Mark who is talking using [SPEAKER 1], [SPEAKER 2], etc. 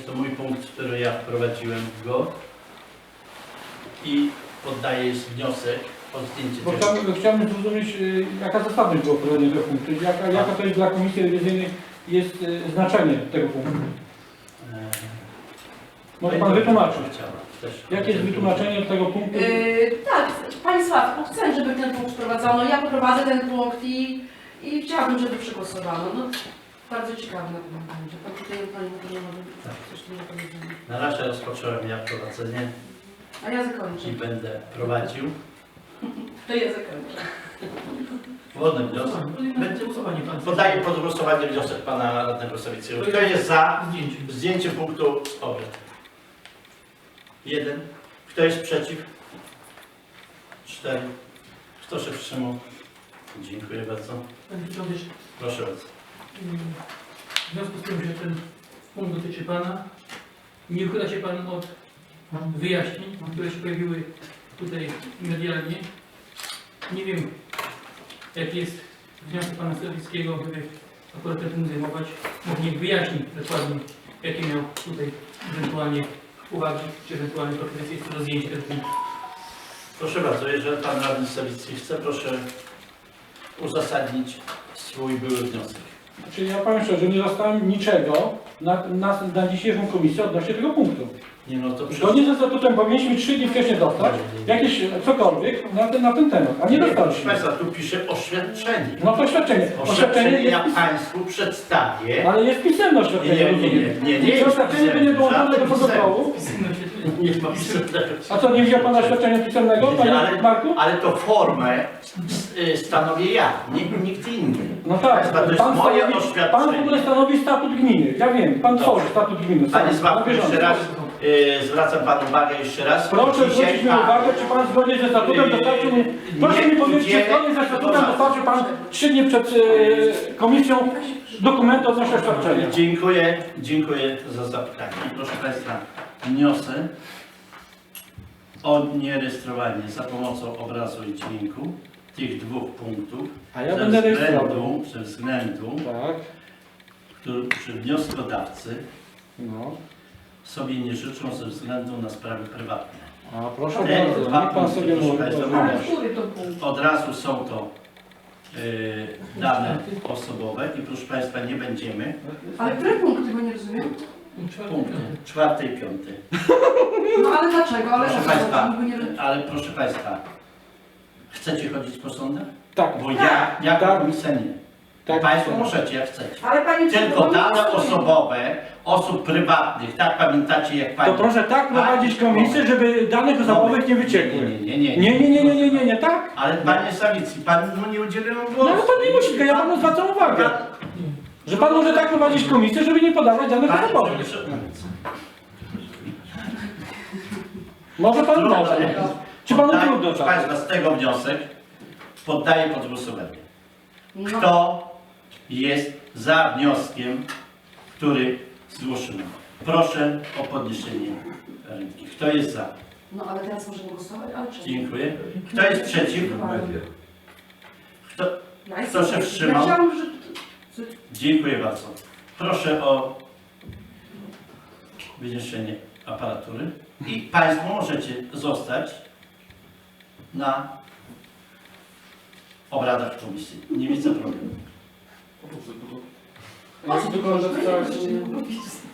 [SPEAKER 1] to mój punkt, który ja wprowadziłem go i poddaję wniosek o zdjęcie
[SPEAKER 2] Bo
[SPEAKER 1] tego.
[SPEAKER 2] chciałbym zrozumieć, jaka zasadność było wprowadzenia tego punktu, jaka to jest dla Komisji Rewizyjnej jest znaczenie tego punktu. Może Pan wytłumaczyć, jakie jest wytłumaczenie tego punktu?
[SPEAKER 3] Tak, Pani Sławko, chcę, żeby ten punkt wprowadzono. Ja poprowadzę ten punkt i chciałabym, żeby przegłosowano. No, bardzo ciekawe na pewno będzie. Pan tutaj Pani coś tu nie powiedział.
[SPEAKER 1] Na razie rozpocząłem ja prowadzenie
[SPEAKER 3] A ja zakończę.
[SPEAKER 1] i będę prowadził.
[SPEAKER 3] To ja zakończę.
[SPEAKER 1] Wolny wniosek. Będzie głosowanie. Podaję pod głosowanie wniosek Pana Radnego Sawickiego. Kto jest za zdjęciem punktu obrad? 1. Kto jest przeciw? 4. Kto się wstrzymał? Dziękuję bardzo.
[SPEAKER 4] Panie Przewodniczący,
[SPEAKER 1] Proszę bardzo.
[SPEAKER 4] w związku z tym, że ten punkt dotyczy Pana, nie uchyla się Pan od wyjaśnień, które się pojawiły tutaj medialnie. Nie wiem, jaki jest wniosek Pana Sawickiego, by akurat tym zajmować. Może niech wyjaśni dokładnie, jakie miał tutaj ewentualnie uwagi, czy ewentualnie propozycje do zdjęcia tego punktu.
[SPEAKER 1] Proszę bardzo, jeżeli Pan Radny Sawicki chce, proszę uzasadnić swój były wniosek.
[SPEAKER 2] Czyli ja powiem szczerze, nie dostałem niczego na dzisiejszą komisję odnośnie tego punktu.
[SPEAKER 1] Nie no to
[SPEAKER 2] Zgodnie ze statutem powinniśmy 3 dni wcześniej dostać jakieś cokolwiek na ten temat, a nie
[SPEAKER 1] proszę
[SPEAKER 2] dostaliśmy.
[SPEAKER 1] Państwa, tu pisze oświadczenie.
[SPEAKER 2] No to oświadczenie.
[SPEAKER 1] Oświadczenie
[SPEAKER 2] jest,
[SPEAKER 1] ja Państwu przedstawię.
[SPEAKER 2] ale jest pisemne oświadczenie.
[SPEAKER 1] Nie
[SPEAKER 2] Oświadczenie będzie dołączone do protokołu.
[SPEAKER 1] Nie ma pisemnego.
[SPEAKER 2] A co, nie widział Pan oświadczenia pisemnego, Panie Marku?
[SPEAKER 1] Ale to formę stanowię ja, nikt inny.
[SPEAKER 2] No tak,
[SPEAKER 1] Państwa, to jest
[SPEAKER 2] pan
[SPEAKER 1] moje
[SPEAKER 2] w ogóle
[SPEAKER 1] oświadczenie.
[SPEAKER 2] stanowi statut gminy. Ja wiem, Pan tworzy statut gminy.
[SPEAKER 1] Panie
[SPEAKER 2] Na
[SPEAKER 1] Sławku,
[SPEAKER 2] bieżąco.
[SPEAKER 1] jeszcze raz zwracam Panu uwagę jeszcze raz.
[SPEAKER 2] Proszę zwrócić mi uwagę, czy Pan zgodnie ze statutem dostarczył mi... Proszę mi powiedzieć, czy zgodnie ze statutem dostarczył Pan 3 dni przed komisją dokumentu odnośnie oświadczenia.
[SPEAKER 1] Dziękuję za zapytanie. Proszę Państwa, wniosek o nierejestrowanie za pomocą obrazu i dźwięku tych 2 punktów
[SPEAKER 2] A ja będę rejestrował.
[SPEAKER 1] ze względu,
[SPEAKER 2] Tak,
[SPEAKER 1] że wnioskodawcy
[SPEAKER 2] no.
[SPEAKER 1] sobie nie życzą ze względu na sprawy prywatne.
[SPEAKER 2] A proszę
[SPEAKER 1] Te
[SPEAKER 2] bardzo,
[SPEAKER 1] 2
[SPEAKER 2] niech Pan
[SPEAKER 1] punkty,
[SPEAKER 2] sobie
[SPEAKER 1] proszę
[SPEAKER 2] mówi.
[SPEAKER 1] Państwa,
[SPEAKER 3] Ale
[SPEAKER 1] mówię.
[SPEAKER 3] który to punkt?
[SPEAKER 1] Od razu są to dane osobowe i proszę Państwa nie będziemy.
[SPEAKER 3] Ale który punkt tego nie rozumiem?
[SPEAKER 1] Punkty 4. i 5.
[SPEAKER 3] No ale dlaczego? Ale
[SPEAKER 1] Proszę
[SPEAKER 3] o co chodzi?
[SPEAKER 1] Państwa,
[SPEAKER 3] Niby nie-
[SPEAKER 1] ale proszę Państwa, chcecie chodzić po sądach?
[SPEAKER 2] Tak,
[SPEAKER 1] Bo ja jako
[SPEAKER 2] Tak.
[SPEAKER 1] komisja nie.
[SPEAKER 2] tak.
[SPEAKER 1] Państwo możecie jak chcecie.
[SPEAKER 3] Ale Pani
[SPEAKER 1] Tylko
[SPEAKER 3] Przewodnicząca,
[SPEAKER 1] dane osobowe osób prywatnych, tak pamiętacie jak
[SPEAKER 2] To
[SPEAKER 1] Pani...
[SPEAKER 2] proszę tak prowadzić komisję, żeby danych osobowych nie wyciekły. Nie, tak?
[SPEAKER 1] Ale Panie Sawicki, Pan mu nie udzielił
[SPEAKER 2] No
[SPEAKER 1] głosu.
[SPEAKER 2] ale Pan nie musi, ja Panu zwracam uwagę. Że Pan może tak prowadzić komisję, żeby nie podawać danych
[SPEAKER 1] Panie
[SPEAKER 2] osobowych.
[SPEAKER 1] Przewodniczący,
[SPEAKER 2] Może Pan
[SPEAKER 1] trudno,
[SPEAKER 2] może. Czy Panu
[SPEAKER 1] poddaję,
[SPEAKER 2] trudno
[SPEAKER 1] proszę
[SPEAKER 2] tak?
[SPEAKER 1] Państwa, z tego wniosek poddaję pod głosowanie.
[SPEAKER 3] no,
[SPEAKER 1] Kto jest za wnioskiem, który zgłoszono? Proszę o podniesienie ręki. Kto jest za?
[SPEAKER 3] no ale teraz możemy głosować, ale czemu?
[SPEAKER 1] Dziękuję. Kto jest przeciw? Kto?
[SPEAKER 3] Ja
[SPEAKER 1] Kto się wstrzymał?
[SPEAKER 3] Ja chciałam, że...
[SPEAKER 1] Dziękuję bardzo. Proszę o wyniesienie aparatury i Państwo możecie zostać na obradach komisji. Nie widzę problemu.
[SPEAKER 2] Ja tylko